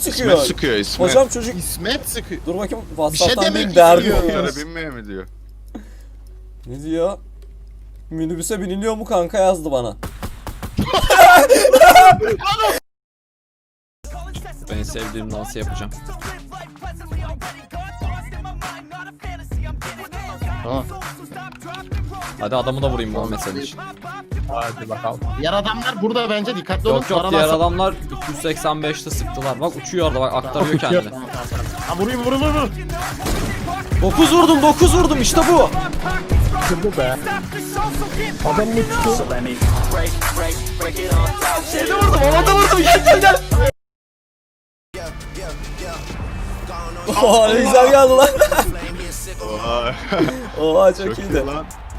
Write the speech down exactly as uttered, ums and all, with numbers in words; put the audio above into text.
Sıkıyor. İsmet sıkıyor İsmet. Hocam çocuk İsmet sıkıyor. dur bakayım Bir şey WhatsApp'tan demek bir derdi istiyor. yok. Motora binmeye mi diyor? Ne diyor? Minibüse biniliyor mu kanka yazdı bana. Ben sevdiğim dansı yapacağım. Tamam. Hadi adamı da vurayım bu mesele için. Hadi bakalım. Diğer adamlar burada bence dikkatli olun. Yok yok Aradan diğer sap- adamlar iki yüz seksen beşte sıktılar. Bak uçuyor orada bak aktarıyor kendini. Ha vurayım vurayım vurayım. dokuz vurdum dokuz vurdum işte bu. Kırdı be. Adam uçtu. Şeyde vurdum havada vurdum gel gel gel. Oha ne güzel geldi lan. Oha. Oha çok, Çok iyi iyiydi. lan.